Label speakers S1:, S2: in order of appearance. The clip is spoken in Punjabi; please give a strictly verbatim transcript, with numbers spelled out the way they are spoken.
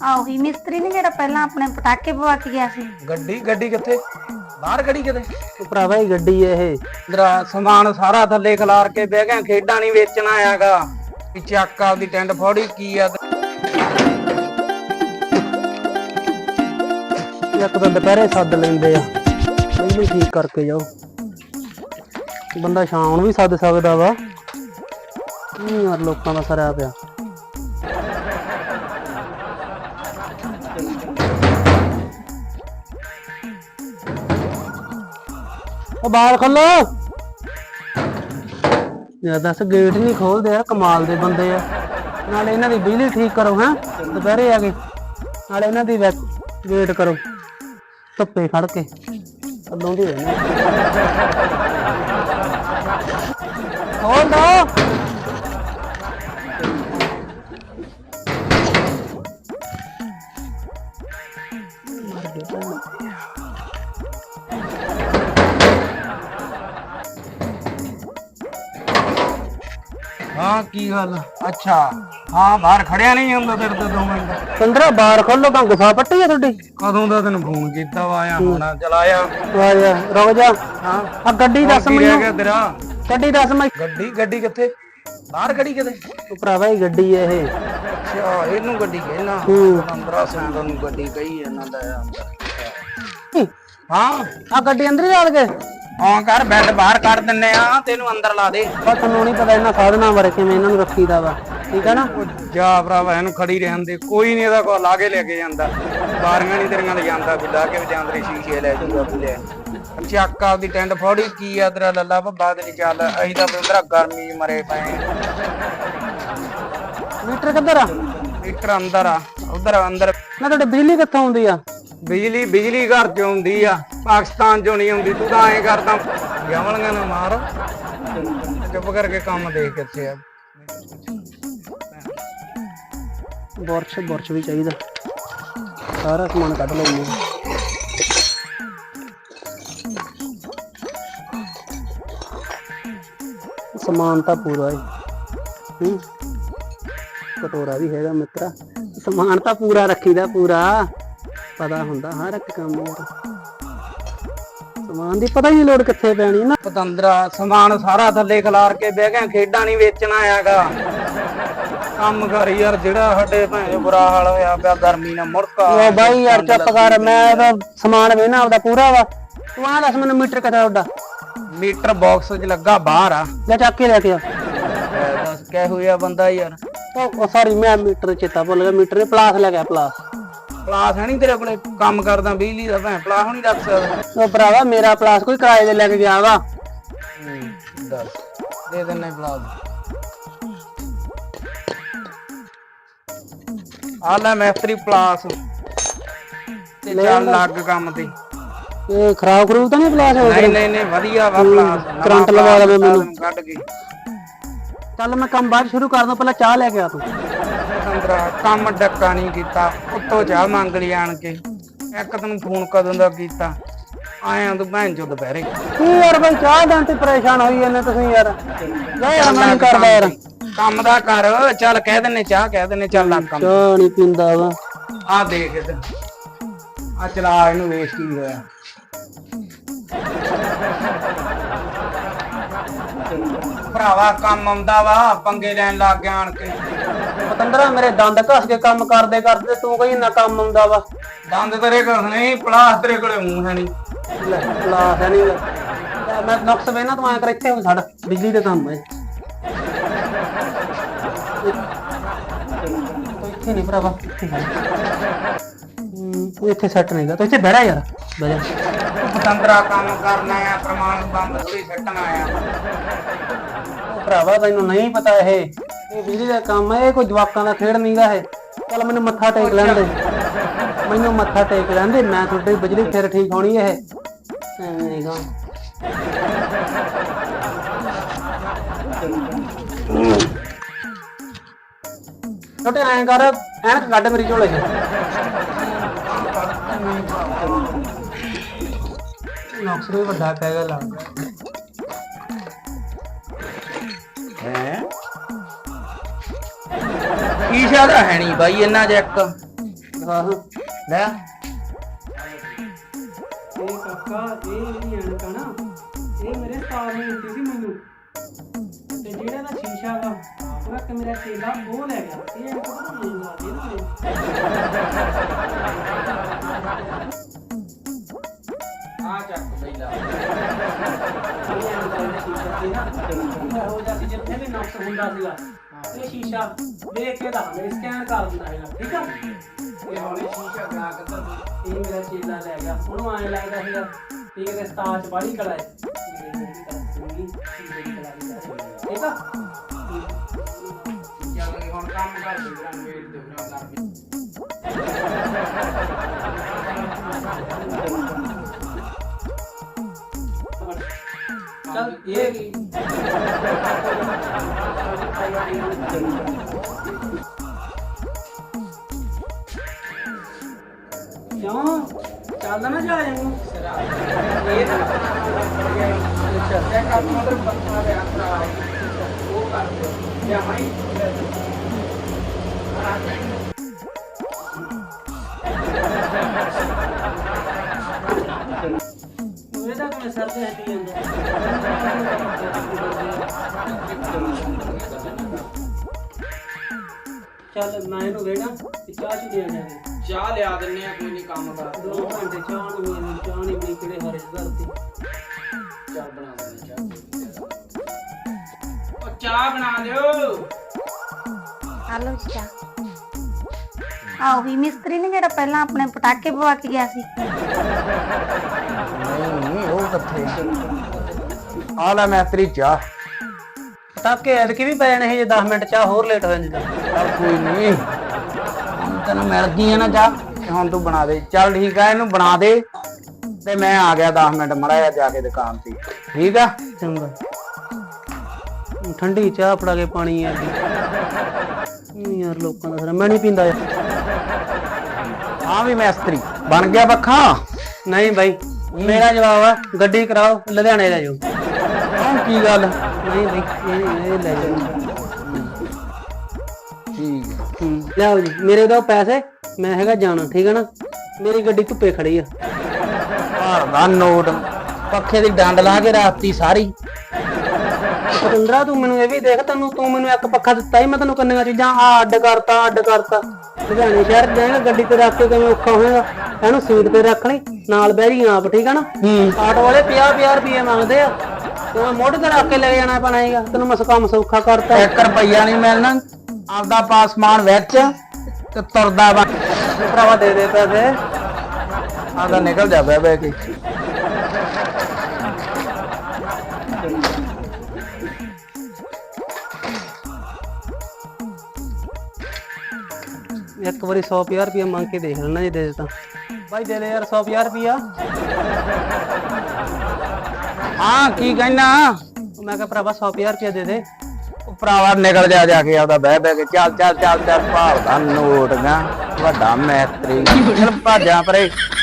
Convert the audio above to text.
S1: ਆਹ ਉਹੀ ਮਿਸਤਰੀ ਨੇ ਜਿਹੜਾ ਪਹਿਲਾਂ ਆਪਣੇ ਪਟਾਕੇ ਪਵਾ ਕੇ ਗਿਆ ਸੀ।
S2: ਗੱਡੀ ਗੱਡੀ ਕਿੱਥੇ? ਬਾਹਰ ਖੜੀ ਕਿਤੇ?
S3: ਉਹ ਭਰਾਵਾ ਹੀ ਗੱਡੀ ਇਹ
S2: ਤੇਰਾ ਸਮਾਨ ਸਾਰਾ ਥੱਲੇ ਖਿਲਾਰ ਕੇ ਬਹਿ ਗਿਆ। ਖੇਡਾਂ ਨਹੀਂ ਵੇਚਣਾ ਆਇਆਗਾ ਵੀ ਚੱਕ ਆਪਦੀ ਟੈਂਟ ਫੋੜੀ ਕੀ ਆ।
S3: ਇੱਕ ਤਾਂ ਦੁਪਹਿਰੇ ਸੱਦ ਲੈਂਦੇ ਆ, ਪਹਿਲਾਂ ਠੀਕ ਕਰਕੇ ਜਾਓ। ਬੰਦਾ ਸ਼ਾਮ ਨੂੰ ਵੀ ਸੱਦ ਸਕਦਾ ਵਾ। ਨਹੀਂ ਯਾਰ ਲੋਕਾਂ ਦਾ ਸਰਿਆ ਪਿਆ। ਉਹ ਬਾਹਰ ਖੋਲੋ ਯਾਰ। ਦੱਸ ਗੇਟ ਨਹੀਂ ਖੋਲਦੇ ਯਾਰ, ਕਮਾਲ ਦੇ ਬੰਦੇ ਆ। ਨਾਲੇ ਇਹਨਾਂ ਦੀ ਬਿਜਲੀ ਠੀਕ ਕਰੋ ਹੈਂ ਦੁਪਹਿਰੇ ਆ ਕੇ, ਨਾਲੇ ਇਹਨਾਂ ਦੀ ਵੇਟ ਕਰੋ ਧੁੱਪੇ ਖੜ ਕੇ। ਅੱਲੋਂ ਦੀ ਰਹਿਣਾ ਖੋਲ ਦੋ।
S2: ਹਾਂ ਕੀ ਗੱਲ? ਅੱਛਾ ਹਾਂ ਬਾਹਰ ਖੜਿਆ ਨਹੀਂ ਹੁੰਦਾ ਤੇਰੇ ਤੋਂ ਦੋ ਮਿੰਟ?
S3: ਪੰਦਰਾਂ ਬਾਹਰ ਖੋਲੋ ਤਾਂ ਗੁਫਾ ਪੱਟੀ ਆ ਤੁਹਾਡੀ।
S2: ਕਦੋਂ ਦਾ ਤੈਨੂੰ ਫੋਨ ਕੀਤਾ ਵਾ? ਆਇਆ ਹੋਣਾ ਚਲਾਇਆ।
S3: ਆ ਜਾ ਰੁਕ ਜਾ।
S2: ਹਾਂ
S3: ਆ ਗੱਡੀ ਦੱਸ
S2: ਕੀ ਰਹਿ
S3: ਮੈਨੂੰ।
S2: ਗਿਆ ਤੇਰਾ?
S3: ਗੱਡੀ ਦੱਸ ਮੈਂ।
S2: ਗੱਡੀ ਗੱਡੀ ਕਿੱਥੇ? ਬਾਹਰ ਖੜੀ ਕਿਤੇ?
S3: ਉਹ ਭਰਾਵਾ ਹੀ ਗੱਡੀ ਇਹ।
S2: ਅੱਛਾ ਇਹਨੂੰ ਗੱਡੀ ਕਹਿਣਾ?
S3: ਹੂੰ
S2: ਪੰਦਰਾਂ ਸੈਂਕਲ ਨੂੰ ਗੱਡੀ ਕਹੀ ਇਹਨਾਂ ਦਾ
S3: ਹੂੰ।
S2: ਹਾਂ
S3: ਆ ਗੱਡੀ ਅੰਦਰ ਹੀ ਲਾ ਕੇ
S2: ਹਾਂ ਕਰ ਬੈੱਡ ਬਾਹਰ ਕੱਢ ਦਿੰਨੇ ਆ, ਤੈਨੂੰ ਅੰਦਰ ਲਾ ਦੇ।
S3: ਪਰ ਤੁਹਾਨੂੰ ਨਹੀਂ ਪਤਾ ਇਹਨਾਂ ਸਾਧਨਾਂ ਬਾਰੇ ਕਿਵੇਂ ਇਹਨਾਂ ਨੂੰ ਰੱਖੀਦਾ ਵਾ, ਠੀਕ ਹੈ ਨਾ।
S2: ਜਾ ਭਰਾਵਾ ਇਹਨੂੰ ਖੜੀ ਰਹਿਣ ਦੇ, ਕੋਈ ਨਹੀਂ ਇਹਦਾ ਕੋਲ ਲਾ ਕੇ ਲੈ ਕੇ ਜਾਂਦਾ। ਬਾਰੀਆਂ ਨਹੀਂ ਤੇਰੀਆਂ ਲੈ ਜਾਂਦਾ ਵੀ ਲਾ ਕੇ ਵਜਾਂਦਰੇ ਸ਼ੀਸ਼ੇ ਲੈ ਜੂਗਾ ਬੁਲਿਆ। ਚੱਕ ਆਪਦੀ ਟੈਂਟ ਫੋੜੀ ਕੀ ਆ ਤੇਰਾ ਲੱਲਾ ਭੱਬਾ ਤੇ ਨਹੀਂ ਚੱਲ। ਅਸੀਂ ਤਾਂ ਬੰਦਰਾ ਗਰਮੀ ਚ ਮਰੇ ਪਏ।
S3: ਮੀਟਰ ਕਿੱਧਰ ਆ?
S2: ਮੀਟਰ ਅੰਦਰ ਆ, ਉਧਰ ਅੰਦਰ।
S3: ਨਾ ਤੁਹਾਡੇ ਬਿਜਲੀ ਕਿੱਥੋਂ ਆਉਂਦੀ ਆ?
S2: ਬਿਜਲੀ ਬਿਜਲੀ ਘਰ ਚ ਆਉਂਦੀ ਆ, ਪਾਕਿਸਤਾਨ ਚੋਂ ਨਹੀਂ ਆਉਂਦੀ। ਤੂੰ ਤਾਂ ਐਂ ਕਰਦਾ ਗਵਲੀਆਂ ਨਾ ਮਾਰ, ਚੁੱਪ ਕਰਕੇ ਕੰਮ ਦੇਖ ਕਿੱਥੇ ਆ।
S3: ਬੁਰਸ਼ ਬੁਰਸ਼ ਵੀ ਚਾਹੀਦਾ, ਸਾਰਾ ਸਮਾਨ ਕੱਢ ਲਓ। ਸਮਾਨ ਤਾਂ ਪੂਰਾ ਹੈ। ਹੂੰ ਕਟੋਰਾ ਵੀ ਹੈਗਾ ਮਿੱਤਰਾ। ਸਮਾਨ ਤਾਂ ਪੂਰਾ ਰੱਖੀਦਾ, ਪੂਰਾ ਪਤਾ ਹੁੰਦਾ ਹਰ ਇੱਕ ਕੰਮ ਯਾਰ। ਸਮਾਨ ਦੀ ਪਤਾ ਹੀ ਨਹੀਂ ਲੋੜ ਕਿੱਥੇ ਪੈਣੀ ਨਾ।
S2: ਪਤੰਦਰਾ ਸਮਾਨ ਸਾਰਾ ਥੱਲੇ ਖਿਲਾਰ ਕੇ ਬਹਿ ਗਿਆ। ਖੇਡਾਂ ਨਹੀਂ ਵੇਚਣਾ ਆਇਆਗਾ। ਕੰਮ ਕਰ ਯਾਰ, ਜਿਹੜਾ ਸਾਡੇ ਭੈਣ ਬੁਰਾ ਹਾਲ ਹੋਇਆ ਪਿਆ ਗਰਮੀ ਨਾਲ ਮੁੜਕਾ।
S3: ਓ ਬਾਈ ਯਾਰ ਚੁੱਪ ਕਰ, ਮੈਂ ਤਾਂ ਸਮਾਨ ਵੇਨਾ ਆਪਦਾ ਪੂਰਾ ਵਾ। ਤੂੰ ਆ ਦੱਸ ਮੈਨੂੰ ਮੀਟਰ ਕਿੱਥੇ ਤੁਹਾਡਾ?
S2: ਮੀਟਰ ਬਾਕਸ ਚ ਲੱਗਾ ਬਾਹਰ ਆ।
S3: ਲੈ ਚੱਕ ਕੇ ਲੈ ਕੇ ਆ।
S2: ਦੱਸ ਕਹਿ ਹੋਇਆ ਬੰਦਾ ਯਾਰ।
S3: ਉਹ ਸੌਰੀ ਮੈਂ ਮੀਟਰ ਚੇਤਾ ਭੁੱਲ ਗਿਆ। ਮੀਟਰ ਨੇ ਪਲਾਸ ਲੈ ਗਿਆ। ਪਲਾਸ
S2: ਪਲਾਸ ਹੈ ਨੀ ਤੇਰੇ ਕੋਲੇ? ਕੰਮ ਕਰਦਾ ਬਿਜਲੀ ਦਾ ਭੈਣ ਪਲਾਸ ਨਹੀਂ ਰੱਖ ਸਕਦਾ।
S3: ਉਹ ਭਰਾਵਾ ਮੇਰਾ ਪਲਾਸ ਕੋਈ ਕਿਰਾਏ ਦੇ ਲੈ ਕੇ ਗਿਆ ਵਾ।
S2: ਦੱਸ ਦੇ ਦਿੰਨੇ ਪਲਾਸ। ਆ ਲੈ ਮੈਸਤਰੀ ਪਲਾਸ ਤੇ ਚੱਲ ਲੱਗ ਕੰਮ ਤੇ।
S3: ਇਹ ਖਰਾਬ ਖਰੂਬ ਤਾਂ ਨਹੀਂ ਪਲਾਸ?
S2: ਨਹੀਂ ਨਹੀਂ ਨਹੀਂ ਵਧੀਆ ਵਾ ਪਲਾਸ।
S3: ਕਰੰਟ ਲਵਾ ਲਵੇ ਮੈਨੂੰ
S2: ਕੱਢ ਕੇ।
S3: ਚੱਲ ਮੈਂ ਕੰਮ ਬਾਅਦ ਸ਼ੁਰੂ ਕਰਦਾ, ਪਹਿਲਾਂ ਚਾਹ ਲੈ ਕੇ ਆ ਤੂੰ।
S2: ਅੰਦਰਾ ਕੰਮ ਡੱਕਾ ਨਹੀਂ ਕੀਤਾ, ਉੱਤੋਂ ਚਾਹ ਮੰਗ ਲਈ ਆਣ ਕੇ। ਇੱਕ ਤੈਨੂੰ ਫੋਨ ਕਦੋਂ ਦਾ ਕੀਤਾ? ਆਇਆ ਤੂੰ ਭੈਣ ਚੋ ਦੁਪਹਿਰੇ।
S3: ਕੀ ਯਾਰ ਬਈ ਚਾਹ ਦੇਣ ਤੇ ਪਰੇਸ਼ਾਨ ਹੋਈ ਜਾਂਦੇ ਤੁਸੀਂ ਯਾਰ। ਜਾ ਯਾਰ ਮੈਂ ਨਹੀਂ ਕਰਦਾ ਯਾਰ
S2: ਕੰਮ ਦਾ ਕਰ। ਚੱਲ ਕਹਿ ਦਿੰਨੇ ਚਾਹ ਕਹਿ ਦਿੰਨੇ ਚੱਲ ਲੱਗ ਕੰਮ।
S3: ਚਾਹ ਨਹੀਂ ਪੀਂਦਾ ਵਾ।
S2: ਆ ਦੇਖ ਇਧਰ ਆ ਚਲਾ ਇਹਨੂੰ ਵੇਖ ਕੀ ਹੋਇਆ। ਭਰਾਵਾ ਕੰਮ ਆਉਂਦਾ ਵਾ, ਪੰਗੇ ਲੈਣ ਲੱਗ ਗਿਆ ਆਣ ਕੇ।
S3: ਪਤੰਦਰਾ ਮੇਰੇ ਦੰਦ ਘਸ ਕੇ ਕੰਮ ਕਰਦੇ ਕਰਦੇ ਤੂੰ ਕਹੀ ਨਾ ਕੰਮ ਆਉਂਦਾ ਵਾ।
S2: ਦੰਦ ਤੇਰੇ ਕੋਲ ਨਹੀਂ, ਪਲਾਸ ਤੇਰੇ ਕੋਲੇ ਮੂੰਹ ਹੈ ਨਹੀਂ।
S3: ਪਲਾਸ ਹੈ ਨਹੀਂ। ਮੈਂ ਨੁਕਸ ਵੇਨਾ ਤੂੰ ਐਂ ਕਰ ਇੱਥੇ ਹੋ ਛੱਡ, ਬਿਜਲੀ ਦੇ ਕੰਮ ਹੈ। ਇੱਥੇ ਨਹੀਂ ਭਰਾਵਾ, ਇੱਥੇ ਹੂੰ ਇੱਥੇ ਸੈੱਟ ਨਹੀਂਗਾ। ਤੂੰ ਇੱਥੇ ਬਹਿ ਜਾ ਯਾਰ, ਬਹਿ ਜਾ।
S2: ਪਤੰਦਰਾ ਕੰਮ ਕਰਨਾ ਆ, ਪ੍ਰਮਾਣ ਬੰਦ ਥੋੜੀ ਸੱਟਣਾ ਆ।
S3: ਭਰਾਵਾ ਤੈਨੂੰ ਨਹੀਂ ਪਤਾ ਇਹ ਇਹ ਬਿਜਲੀ ਦਾ ਕੰਮ ਹੈ। ਇਹ ਕੋਈ ਜਵਾਕਾਂ ਦਾ ਖੇਡ ਨਹੀਂਗਾ ਇਹ। ਚੱਲ ਮੈਨੂੰ ਮੱਥਾ ਟੇਕ ਲੈਣ ਦੇ, ਮੈਨੂੰ ਮੱਥਾ ਟੇਕ ਲੈਣ ਦੇ। ਮੈਂ ਤੁਹਾਡੀ ਬਿਜਲੀ ਫਿਰ ਠੀਕ ਹੋਣੀ ਇਹ। ਐਵੇਂ ਨਹੀਂਗਾ। ਛੋਟੇ ਐਂ ਕਰ, ਐਨਕ ਕੱਢ ਮੇਰੀ ਝੋਲੇ ਚ। ਨੁਕਸ ਵੀ ਵੱਡਾ ਪੈ ਗਿਆ ਲੱਗਦਾ
S2: ਹੈ। ਈਸ਼ਾ ਦਾ ਹੈ ਨਹੀਂ ਬਾਈ ਇਹਨਾਂ ਚ ਇੱਕ
S3: ਆਹ
S2: ਲੈ
S3: ਇਹ ਕਾਕਾ ਇਹ ਜਿਹੜੀ ਐਨਕ ਆ ਨਾ ਇਹ ਮੇਰੇ ਉਸਤਾਦ ਨੇ ਦਿੱਤੀ ਸੀ ਮੈਨੂੰ ਤੇ ਜਿਹੜਾ ਦਾ ਸ਼ੀਸ਼ਾ ਵਾ ਉਹ ਇੱਕ ਮੇਰਾ ਚੇਲਾ ਉਹ ਲੈ ਗਿਆ ਇਹ ਐਨਕ ਪਤਾ ਨਹੀਂ ਲੱਗਦੀ ਨਾ
S2: ਆ ਚੱਕ ਪਹਿਲਾ
S3: ਹੋ ਜਾਂਦੀ ਜਿੱਥੇ ਵੀ ਨੁਕਸ ਹੁੰਦਾ ਸੀਗਾ ਇਹ ਸ਼ੀਸ਼ਾ ਦੇਖ ਕੇ ਦੱਸ ਮੇਰੇ ਸਕੈਨ ਕਰ ਦਿੰਦਾ ਹੈਗਾ ਠੀਕ ਆ
S2: ਇਹ ਹੌਲੀ ਸ਼ੀਸ਼ਾ ਬਣਾ ਕੇ ਤਾਂ
S3: ਇਹ ਮੇਰਾ ਚੇਲਾ ਲੈ ਗਿਆ ਉਹਨੂੰ ਐਂ ਲੱਗਦਾ ਸੀਗਾ ਕਿ ਇਹਦੇ ਸਤਾਜ ਬਾੜੀ ਕਲਾ ਹੈ ਠੀਕ ਆ
S2: ਚੱਲ ਹੁਣ ਕੰਮ ਕਰ ਦੇ ਬਰਾਂ ਵੇਟ ਦੇ ਬਰਾਂ ਕਰ
S3: ਚੱਲ ਇਹ ਕੀ ਕਿਉਂ ਚੱਲਦਾ ਨਾ ਜਾ ਇਹਨੂੰ
S2: ਇਹ ਤਾਂ ਅੱਛਾ ਚੈੱਕ ਕਰ ਮਤਲਬ ਬੱਚਾ ਦੇ ਅੰਦਰ ਉਹ ਕਰ ਦੇ ਜਾਂ ਮੈਂ
S3: ਇਹਦਾ ਕਿਵੇਂ ਸਰ ਤੇ ਹੱਟੀ ਜਾਂਦਾ ਚੱਲ ਮੈਂ ਇਹਨੂੰ ਵੇਣਾ ਤੇ ਚਾਹ ਚ ਦੇ ਜਾਵੇ
S2: ਚਾਹ ਲਿਆ ਦਿੰਨੇ ਆ ਕੋਈ ਨਹੀਂ ਕੰਮ ਕਰ
S3: ਦੋ ਘੰਟੇ ਚਾਹ ਨੂੰ ਮੈਨੂੰ ਚਾਹ ਨਹੀਂ ਬਣੀ ਕਿਹੜੇ ਹਰੇ ਧਰਤੀ
S2: ਚਾਹ ਬਣਾ ਦਿੰਦੇ ਚਾਹ ਉਹ ਚਾਹ ਬਣਾ ਦਿਓ
S1: ਆ ਲਓ ਜੀ ਚਾਹ ਆ ਉਹੀ ਮਿਸਤਰੀ ਨੇ ਜਿਹੜਾ ਪਹਿਲਾਂ ਆਪਣੇ ਪਟਾਕੇ ਪਵਾ ਕੇ ਗਿਆ ਸੀ।
S2: ਨਹੀਂ ਉਹ ਕਿੱਥੇ ਆ ਲੈ ਮੈਸਤਰੀ ਚਾਹ
S3: ਪਟਾਕੇ ਐਤਕੀ ਵੀ ਪੈ ਜਾਣੇ ਸੀ ਜੇ ਦਸ ਮਿੰਟ ਚਾਹ ਹੋਰ ਲੇਟ ਹੋ ਜਾਂਦੀ ਤਾਂ
S2: ਚੱਲ ਕੋਈ ਨਹੀਂ ਹੁਣ ਤੈਨੂੰ ਮਿਲ ਗਈ ਹੈ ਨਾ ਚਾਹ ਤੇ ਹੁਣ ਤੂੰ ਬਣਾ ਦੇ ਚੱਲ ਠੀਕ ਆ ਇਹਨੂੰ ਬਣਾ ਦੇ ਤੇ ਮੈਂ ਆ ਗਿਆ ਦਸ ਮਿੰਟ ਮੜਾ ਜਾ ਕੇ ਦੁਕਾਨ ਤੇ ਠੀਕ ਆ
S3: ਚੰਗਾ ਠੰਡੀ ਚਾਹ ਫੜਾ ਕੇ ਪਾਣੀ ਆ ਗਈ ਯਾਰ ਲੋਕਾਂ ਦਾ ਸਾਰਾ ਮੈਂ ਨਹੀਂ ਪੀਂਦਾ ਯਾਰ
S2: ਹਾਂ ਵੀ ਮੈਸਤਰੀ ਬਣ ਗਿਆ ਪੱਖਾ
S3: ਨਹੀਂ ਬਾਈ ਮੇਰਾ ਜਵਾਬ ਆ ਗੱਡੀ ਕਰਾਓ ਲੁਧਿਆਣੇ ਲੈ ਜਾਓ
S2: ਹਾਂ ਕੀ ਗੱਲ
S3: ਨਹੀਂ ਬਾਈ ਇਹ ਇਹ ਲੈ ਜਾਓ
S2: ਠੀਕ ਹੈ
S3: ਹੂੰ ਲਿਆਓ ਜੀ ਮੇਰੇ ਦੋ ਪੈਸੇ ਮੈਂ ਹੈਗਾ ਜਾਣਾ ਠੀਕ ਹੈ ਨਾ ਮੇਰੀ ਗੱਡੀ ਧੁੱਪੇ ਖੜੀ ਆ
S2: ਘਰ ਦਾ ਨੋਟ ਪੱਖੇ ਦੀ ਡੰਡ ਲਾ ਕੇ ਰਾਤੀ ਸਾਰੀ
S3: ਪਤੰਦਰਾ ਤੂੰ ਮੈਨੂੰ ਇਹ ਵੀ ਦੇਖ ਤੈਨੂੰ ਤੂੰ ਮੈਨੂੰ ਇੱਕ ਪੱਖਾ ਦਿੱਤਾ ਹੀ ਮੈਂ ਤੈਨੂੰ ਕੰਨੀਆਂ ਚੀਜ਼ਾਂ ਆ ਅੱਡ ਕਰਤਾ ਅੱਡ ਕਰਤਾ ਲੁਧਿਆਣੇ ਸ਼ਹਿਰ ਜਾਏਗਾ ਗੱਡੀ ਤੇ ਰੱਖ ਕੇ ਕਿਵੇਂ ਔਖਾ ਹੋਏਗਾ ਇਹਨੂੰ ਸੀਟ ਤੇ ਰੱਖ ਲਈ ਨਾਲ ਬਹਿ ਜੀ ਆਪ ਠੀਕ ਆ ਨਾ
S2: ਹੂੰ
S3: ਆਟੋ ਵਾਲੇ ਪੰਜਾਹ ਪੰਜਾਹ ਰੁਪਏ ਮੰਗਦੇ ਆ ਤੂੰ ਮੋਢੇ ਤੇ ਰੱਖ ਕੇ ਲੈ ਜਾਣਾ ਪੈਣਾ ਹੈਗਾ ਤੈਨੂੰ ਮੈਂ ਕੰਮ ਸੌਖਾ ਕਰਤਾ
S2: ਇੱਕ ਰੁਪਈਆ ਨਹੀਂ ਮਿਲਣਾ ਆਪਦਾ ਪਾਸਮਾਨ ਵਿੱਚ ਤੇ ਤੁਰਦਾ ਵਾ
S3: ਭਰਾਵਾ ਦੇ ਦੇ ਪੈਸੇ
S2: ਆਦਾ ਨਿਕਲ ਜਾ ਬਹਿ ਬਹਿ ਕੇ
S3: ਇੱਕ ਵਾਰੀ ਸੌ ਪੰਜਾਹ ਰੁਪਏ ਮੰਗ ਕੇ ਦੇਖ ਲੈਣਾ ਜੇ ਦੇ ਦੇ ਤਾਂ ਭਾਈ ਦੇ ਦੇ ਯਾਰ ਸੌ ਪੰਜਾਹ ਰੁਪਿਆ
S2: ਹਾਂ ਕੀ ਕਹਿਣਾ
S3: ਮੈਂ ਕਿਹਾ ਭਰਾਵਾ ਸੌ ਪੰਜਾਹ ਰੁਪਏ ਦੇ ਦੇ
S2: ਉਹ ਭਰਾਵਾ ਨਿਕਲ ਜਾ ਜਾ ਕੇ ਆਪਦਾ ਬਹਿ ਬਹਿ ਕੇ ਚੱਲ ਚੱਲ ਚੱਲ ਚੱਲ ਭਾਲਦਾ ਨੋਟ ਗਾ ਵੱਡਾ ਮੈਸਤਰੀ ਚੱਲ ਭਾਜਾਂ ਪਰੇ